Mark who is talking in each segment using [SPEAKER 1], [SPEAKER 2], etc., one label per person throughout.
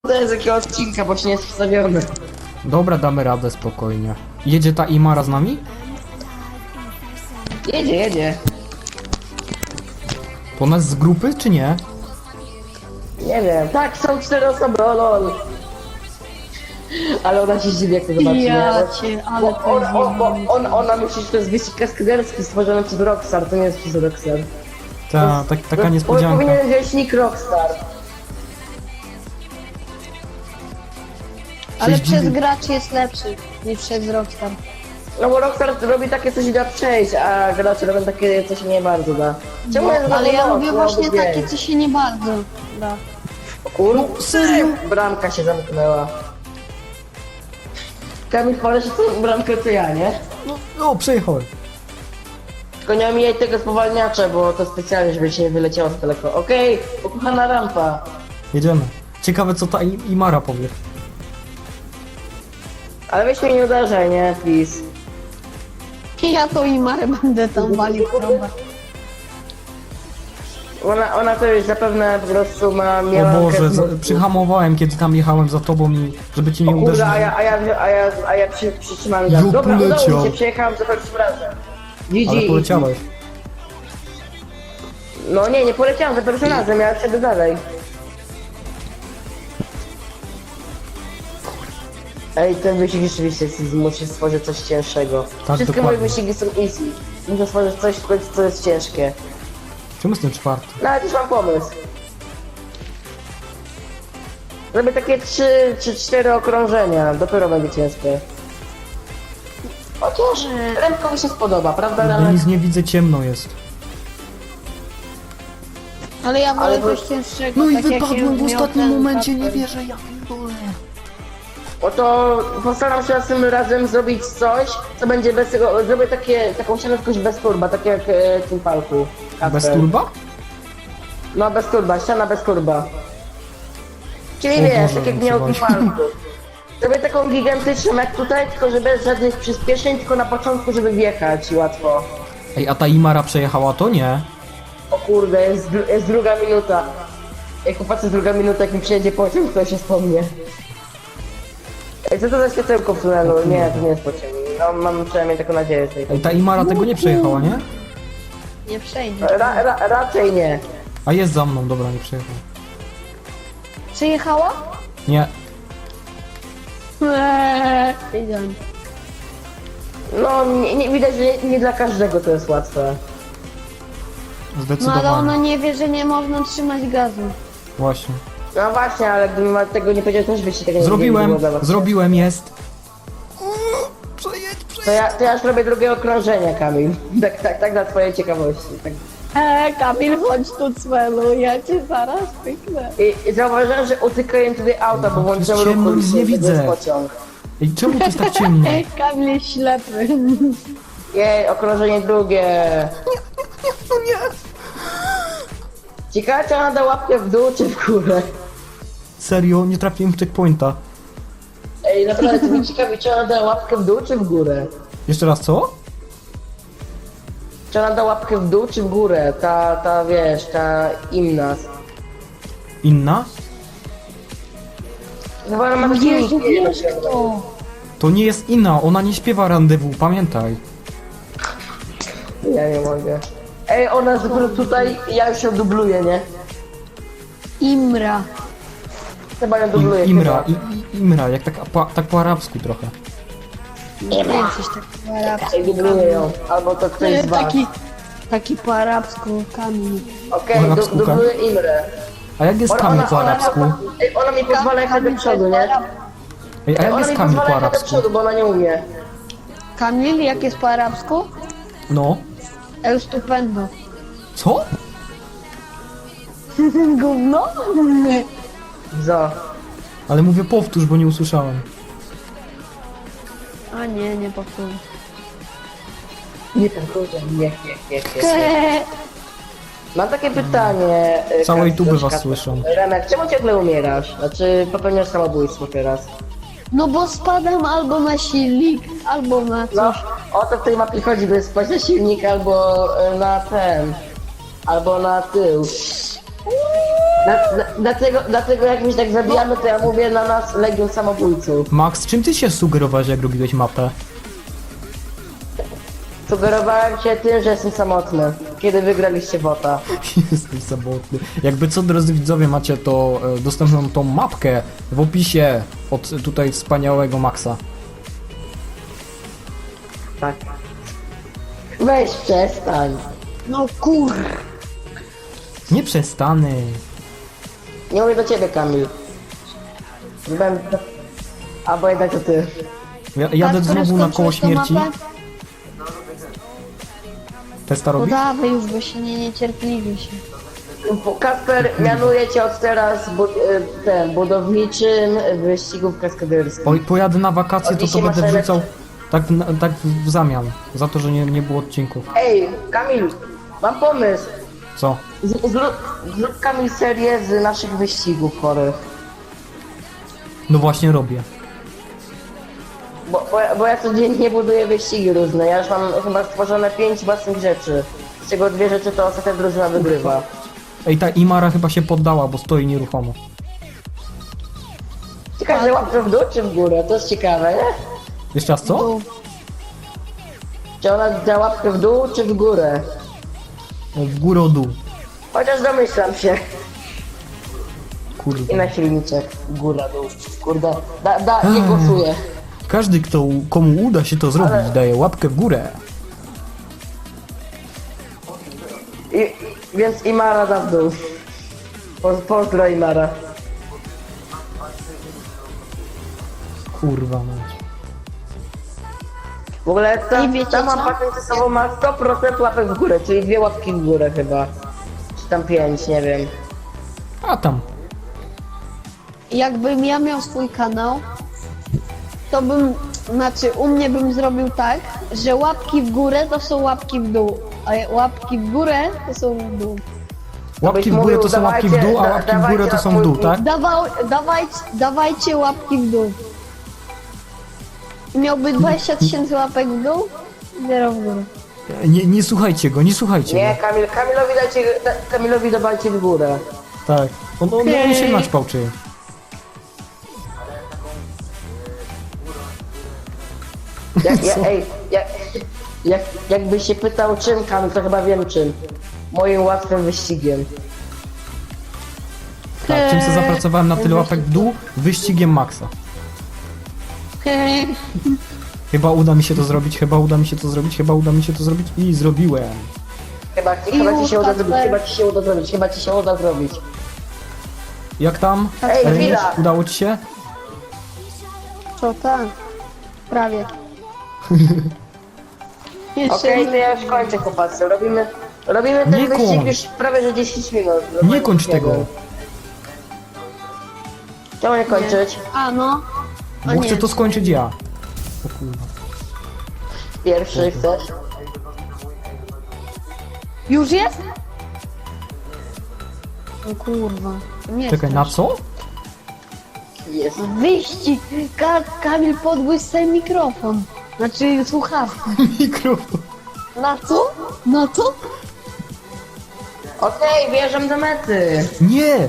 [SPEAKER 1] z jakiego odcinka, bo się nie jest wstawiony.
[SPEAKER 2] Dobra, damy radę spokojnie. Jedzie ta Imara z nami?
[SPEAKER 1] Jedzie.
[SPEAKER 2] To nas z grupy, czy nie?
[SPEAKER 1] Nie wiem. Tak, są 4 osoby, o lol. Ale ona się zdziwi, jak to zobaczy,
[SPEAKER 3] Ja
[SPEAKER 1] nie?
[SPEAKER 3] cię, ale to jest
[SPEAKER 1] Ona myśli, że to jest wyścig kaskaderski stworzony przez Rockstar, to nie jest przez Rockstar.
[SPEAKER 2] Taka niespodzianka.
[SPEAKER 1] Powinien wziąć nick Rockstar.
[SPEAKER 3] Ale
[SPEAKER 2] Coś
[SPEAKER 3] przez
[SPEAKER 2] dziwi.
[SPEAKER 3] graczy jest lepszy niż przez Rockstar.
[SPEAKER 1] No bo Rockstar robi takie coś da przejść, a gracze robią takie coś nie bardzo da. Czemu jest
[SPEAKER 3] Ale ja
[SPEAKER 1] znowu
[SPEAKER 3] lubię
[SPEAKER 1] noc?
[SPEAKER 3] właśnie
[SPEAKER 1] Miałby
[SPEAKER 3] takie,
[SPEAKER 1] dzień.
[SPEAKER 3] co się nie bardzo da.
[SPEAKER 1] Kurde, serio? Bramka się zamknęła. Kamil, poleci tą bramkę to ja, nie?
[SPEAKER 2] No, przejechałem.
[SPEAKER 1] Tylko nie omijaj tego spowalniacza, bo to specjalnie, żeby się nie wyleciało z daleko. Okej, ukochana rampa.
[SPEAKER 2] Jedziemy. Ciekawe co ta Imara powie.
[SPEAKER 1] Ale weź mnie nie uderzaj, nie? Please.
[SPEAKER 3] Ja to i Marę będę tam walił w trąbę.
[SPEAKER 1] Ona to już zapewne po prostu
[SPEAKER 2] O
[SPEAKER 1] miała...
[SPEAKER 2] Boże, przyhamowałem kiedy tam jechałem za tobą i żeby cię nie
[SPEAKER 1] Kurde,
[SPEAKER 2] uderzyć.
[SPEAKER 1] a ja przytrzymałem gaz.
[SPEAKER 2] Jo,
[SPEAKER 1] Dobra, udało
[SPEAKER 2] poleciał.
[SPEAKER 1] mi się, przejechałem za pierwszym razem.
[SPEAKER 2] Ale
[SPEAKER 1] GG.
[SPEAKER 2] poleciałeś.
[SPEAKER 1] No nie poleciałem za pierwszym razem, ja siedzę dalej. Ej, ten wyścig rzeczywiście jest easy, muszę stworzyć coś cięższego.
[SPEAKER 2] Tak,
[SPEAKER 1] Wszystkie
[SPEAKER 2] dokładnie.
[SPEAKER 1] moje wyścigi są easy. Muszę stworzyć coś, co jest ciężkie.
[SPEAKER 2] Czemu jestem czwarty?
[SPEAKER 1] Nawet już mam pomysł. Zrobię takie 3 czy 4 okrążenia, dopiero będzie ciężkie. Chociaż Remko mi się spodoba, prawda
[SPEAKER 2] Bo
[SPEAKER 1] Remek?
[SPEAKER 2] nic nie widzę, ciemno jest.
[SPEAKER 3] Ale ja wolę
[SPEAKER 1] Ale
[SPEAKER 3] coś cięższego.
[SPEAKER 2] No i
[SPEAKER 3] tak jak
[SPEAKER 2] wypadłem w
[SPEAKER 3] miał
[SPEAKER 2] ostatnim
[SPEAKER 3] ten
[SPEAKER 2] momencie, nie
[SPEAKER 3] Kasper.
[SPEAKER 2] wierzę, ja pierdolę.
[SPEAKER 1] Oto postaram się następnym razem zrobić coś, co będzie bez tego, zrobię taką ścianę bez turba, tak jak w tym palku.
[SPEAKER 2] Bez
[SPEAKER 1] Kasper.
[SPEAKER 2] turba?
[SPEAKER 1] No bez turba, ściana bez turba. Czyli
[SPEAKER 2] O
[SPEAKER 1] wiesz,
[SPEAKER 2] Boże,
[SPEAKER 1] tak jak miał w tym
[SPEAKER 2] przepraszam.
[SPEAKER 1] palku. Zrobię taką gigantyczną jak tutaj, tylko że bez żadnych przyspieszeń, tylko na początku, żeby wjechać łatwo.
[SPEAKER 2] Ej, a ta Imara przejechała to? Nie.
[SPEAKER 1] O kurde, jest druga minuta. Jak popatrzę druga minuta, jak mi przyjedzie pociąg, to się wspomnie. Ej, co to za światełko w tunelu? Nie, to nie jest pociąg. No, mam przynajmniej taką nadzieję z tej.
[SPEAKER 2] Ej, ta Imara tego nie przejechała, nie?
[SPEAKER 3] Nie przejdzie.
[SPEAKER 1] Raczej nie.
[SPEAKER 2] A jest za mną, dobra, nie przejechała.
[SPEAKER 3] Przejechała?
[SPEAKER 2] Nie.
[SPEAKER 3] Wiedziałem.
[SPEAKER 1] No, nie widać, że nie dla każdego to jest łatwe.
[SPEAKER 3] No
[SPEAKER 2] Zdecydowanie.
[SPEAKER 3] ale ona nie wie, że nie można trzymać gazu.
[SPEAKER 2] Właśnie.
[SPEAKER 1] No właśnie, ale gdybym tego nie powiedział, też byście tego nie
[SPEAKER 2] Zrobiłem,
[SPEAKER 1] wiedzieli, było dla was.
[SPEAKER 2] zrobiłem, jest.
[SPEAKER 1] To ja już robię drugie okrążenie, Kamil. Tak dla twojej ciekawości. Tak.
[SPEAKER 3] Kamil, chodź tu cwelu, ja cię zaraz pyknę.
[SPEAKER 1] I zauważyłem, że utykają tutaj auta, bo włączyłem
[SPEAKER 2] jest ciemno,
[SPEAKER 1] ruch
[SPEAKER 2] nic nie
[SPEAKER 1] uliczny, to jest
[SPEAKER 2] widzę.
[SPEAKER 1] pociąg.
[SPEAKER 2] Ej, czemu to jest tak ciemno?
[SPEAKER 3] Kamil jest ślepy.
[SPEAKER 1] Jej, okrążenie drugie.
[SPEAKER 2] No nie.
[SPEAKER 1] Ciekawe, czy ona da łapkę w dół, czy w górę.
[SPEAKER 2] Serio, nie trafiłem w checkpointa.
[SPEAKER 1] Ej, naprawdę, to mnie ciekawi, czy ona da łapkę w dół, czy w górę.
[SPEAKER 2] Jeszcze raz, co?
[SPEAKER 1] Czy ona da łapkę w dół, czy w górę? Ta wiesz, ta inna.
[SPEAKER 2] Inna?
[SPEAKER 1] Chyba ona ma taki
[SPEAKER 3] Jezu,
[SPEAKER 1] nick,
[SPEAKER 3] wiesz kto?
[SPEAKER 2] To nie jest Inna, ona nie śpiewa randewu, pamiętaj.
[SPEAKER 1] Ja nie mogę. Ej, ona jest dopiero tutaj, ja już ją dubluję, nie?
[SPEAKER 3] Imra.
[SPEAKER 1] Chyba ją dubluję,
[SPEAKER 2] Imra,
[SPEAKER 1] chyba.
[SPEAKER 2] Imra, jak tak po arabsku trochę.
[SPEAKER 3] Nie wiem, coś takiego po arabsku.
[SPEAKER 1] Ej, dubluję ją. Albo to ktoś z was.
[SPEAKER 3] Taki po arabsku Kamil.
[SPEAKER 1] Okej,
[SPEAKER 2] Po arabsku,
[SPEAKER 1] dubluję Imrę.
[SPEAKER 2] A jak jest Kamil po arabsku?
[SPEAKER 1] Ej, ona mi pozwala jechać do przodu, nie?
[SPEAKER 2] Ej, a jak
[SPEAKER 1] Ona
[SPEAKER 2] jest
[SPEAKER 1] mi
[SPEAKER 2] Kamil
[SPEAKER 1] pozwala
[SPEAKER 2] po
[SPEAKER 1] jechać do
[SPEAKER 2] arabsku?
[SPEAKER 1] przodu, bo ona nie umie.
[SPEAKER 3] Kamil, jak jest po arabsku?
[SPEAKER 2] No.
[SPEAKER 3] El stupendo.
[SPEAKER 2] Co?
[SPEAKER 3] Gówno?
[SPEAKER 1] Zo.
[SPEAKER 2] Ale mówię powtórz, bo nie usłyszałem.
[SPEAKER 3] A nie powtórzę.
[SPEAKER 1] Nie ten kurde, nie. Mam takie pytanie.
[SPEAKER 2] Całej
[SPEAKER 1] Kacper,
[SPEAKER 2] tuby was
[SPEAKER 1] Kacper.
[SPEAKER 2] słyszą.
[SPEAKER 1] Remek, czemu ciągle umierasz? Znaczy popełniasz samobójstwo teraz.
[SPEAKER 3] No bo spadam albo na silnik, albo na coś.
[SPEAKER 1] No, o to w tej mapie chodzi, by spać na silnik albo na ten. Albo na tył. Dlatego jak my tak zabijamy, to ja mówię na nas Legion Samobójców.
[SPEAKER 2] Max, czym ty się sugerowałeś, jak robiłeś mapę?
[SPEAKER 1] Sugerowałem się tym, że jestem samotny, kiedy wygraliście WOTA.
[SPEAKER 2] Jesteś samotny. Jakby co, drodzy widzowie, macie to dostępną tą mapkę w opisie od tutaj wspaniałego Maxa.
[SPEAKER 1] Tak. Weź przestań.
[SPEAKER 3] No kur...
[SPEAKER 2] Nie przestanę.
[SPEAKER 1] Nie mówię do ciebie, Kamil. Będę... Albo jednak to ty.
[SPEAKER 2] Jadę
[SPEAKER 3] Kasper,
[SPEAKER 2] znowu na koło
[SPEAKER 3] skończyłeś tą
[SPEAKER 2] śmierci.
[SPEAKER 3] mapę?
[SPEAKER 2] Testa
[SPEAKER 3] No
[SPEAKER 2] robisz?
[SPEAKER 3] dawaj już, bo się nie niecierpliwi się.
[SPEAKER 1] Kasper mianuje cię od teraz budowniczym wyścigów kaskaderskich.
[SPEAKER 2] Pojadę na wakacje, to
[SPEAKER 1] Dzisiaj
[SPEAKER 2] będę
[SPEAKER 1] masz
[SPEAKER 2] wrzucał tak w zamian. Za to, że nie było odcinków.
[SPEAKER 1] Ej, Kamil, mam pomysł.
[SPEAKER 2] Co?
[SPEAKER 1] Zrób Kamil serię z naszych wyścigów chorych.
[SPEAKER 2] No właśnie robię.
[SPEAKER 1] Bo ja codziennie buduję wyścigi różne. Ja już mam chyba stworzone 5 własnych rzeczy. Z czego 2 rzeczy to ostatnia drużyna wygrywa.
[SPEAKER 2] Ej, ta Imara chyba się poddała, bo stoi nieruchomo.
[SPEAKER 1] Ciekawe, że łapkę w dół czy w górę? To jest ciekawe, nie?
[SPEAKER 2] Jeszcze raz co?
[SPEAKER 3] Tu.
[SPEAKER 1] Czy ona da łapkę w dół czy w górę?
[SPEAKER 2] W górę o dół.
[SPEAKER 1] Chociaż domyślam się. I
[SPEAKER 2] Kurde.
[SPEAKER 1] na silniczek. Góra, dół. Kurde. Nie głosuję.
[SPEAKER 2] Każdy, komu uda się to zrobić, daje łapkę w górę.
[SPEAKER 1] Więc Imara da w dół. Pozdro Imara.
[SPEAKER 2] Kurwa mać.
[SPEAKER 1] W ogóle
[SPEAKER 3] I wiecie
[SPEAKER 1] ta
[SPEAKER 3] co?
[SPEAKER 1] mapa tymczasowo ma 100% łapek w górę, czyli 2 łapki w górę chyba. Czy tam 5, nie wiem.
[SPEAKER 2] A tam.
[SPEAKER 3] Jakbym ja miał swój kanał, to bym, znaczy u mnie bym zrobił tak, że łapki w górę to są łapki w dół, a łapki w górę to są w dół.
[SPEAKER 2] Łapki w górę to są łapki w dół, a łapki w górę to są w dół, tak?
[SPEAKER 3] Dawajcie łapki w dół. Miałby 20 000 łapek w dół, zero w górę.
[SPEAKER 2] Nie słuchajcie go, nie słuchajcie
[SPEAKER 1] Nie,
[SPEAKER 2] go.
[SPEAKER 1] Kamilowi dawajcie w górę.
[SPEAKER 2] Tak. On się naćpał czy.
[SPEAKER 1] Jakbyś się pytał czym, Kamil, to chyba wiem czym. Moim łatwym wyścigiem.
[SPEAKER 2] Tak, czym się zapracowałem na tyle łapek w dół? Wyścigiem Maxa. Chyba uda mi się to zrobić, chyba uda mi się to zrobić, chyba uda mi się to zrobić i zrobiłem.
[SPEAKER 1] Chyba ci się uda zrobić, chyba ci się uda zrobić.
[SPEAKER 2] Jak tam?
[SPEAKER 1] Ej,
[SPEAKER 2] Ernest,
[SPEAKER 1] chwila!
[SPEAKER 2] udało ci się?
[SPEAKER 3] Co tak? Prawie. Jeszcze
[SPEAKER 1] Okej, to ja już kończę, chłopacy. Robimy ten
[SPEAKER 2] Nie
[SPEAKER 1] wyścig
[SPEAKER 2] kończ.
[SPEAKER 1] już prawie że 10 minut.
[SPEAKER 2] Nie kończ tego,
[SPEAKER 1] Czemu nie kończyć?
[SPEAKER 3] A no.
[SPEAKER 2] bo chcę to skończyć ja. O kurwa.
[SPEAKER 1] Pierwszy chcesz?
[SPEAKER 3] Już jest? O kurwa. Nie
[SPEAKER 2] Czekaj,
[SPEAKER 3] chcesz.
[SPEAKER 2] na co?
[SPEAKER 1] Jest.
[SPEAKER 3] Wyścig! Kamil podgłos sobie mikrofon. Znaczy słuchawkę.
[SPEAKER 2] Mikrofon.
[SPEAKER 3] Na co? Na co?
[SPEAKER 1] Okej, wjeżdżam do mety.
[SPEAKER 2] Nie!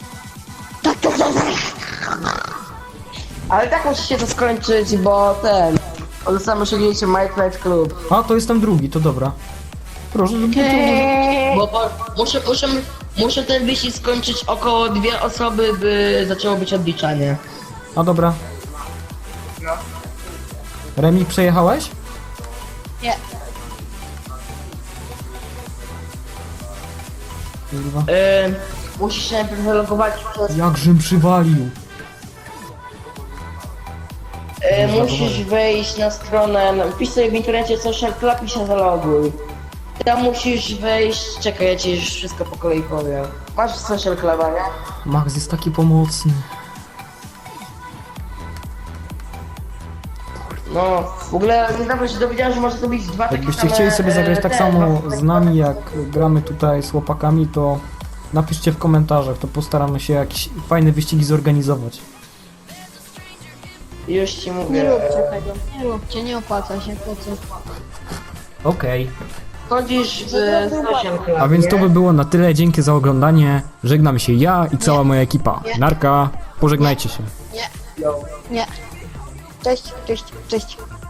[SPEAKER 1] Ale tak musi się to skończyć, bo zostałem osiągnięcie My Fight Club.
[SPEAKER 2] A, to jestem drugi, to dobra. Proszę, żeby to...
[SPEAKER 1] Bo muszę ten wyścig skończyć około 2 osoby, by zaczęło być odliczanie.
[SPEAKER 2] A dobra. Remi, przejechałeś?
[SPEAKER 3] Nie.
[SPEAKER 2] Kurwa.
[SPEAKER 1] Musisz się najpierw zalogować przez...
[SPEAKER 2] Jakżem przywalił.
[SPEAKER 1] musisz wejść na stronę, wpisz sobie w internecie Social Club i się zaloguj. Tam musisz wejść, czekaj, ja ci już wszystko po kolei powiem. Masz Social Cluba, nie?
[SPEAKER 2] Max jest taki pomocny.
[SPEAKER 1] No, w ogóle niedawno się dowiedziałem, że można zrobić 2 takie
[SPEAKER 2] Jakbyście
[SPEAKER 1] same,
[SPEAKER 2] chcieli sobie zagrać tak
[SPEAKER 1] te,
[SPEAKER 2] samo
[SPEAKER 1] dwa-
[SPEAKER 2] z nami, jak gramy tutaj z chłopakami, to napiszcie w komentarzach, to postaramy się jakieś fajne wyścigi zorganizować.
[SPEAKER 1] Już ci mówię.
[SPEAKER 3] Nie róbcie tego. Nie róbcie, nie opłaca się po co.
[SPEAKER 2] Okej.
[SPEAKER 1] Chodzisz w stosiem chyba,
[SPEAKER 2] A więc to
[SPEAKER 1] nie?
[SPEAKER 2] by było na tyle, dzięki za oglądanie. Żegnam się ja i cała moja ekipa.
[SPEAKER 3] Nie.
[SPEAKER 2] Narka, pożegnajcie się.
[SPEAKER 3] Nie,
[SPEAKER 1] Jo.
[SPEAKER 3] nie. Cześć, cześć, cześć.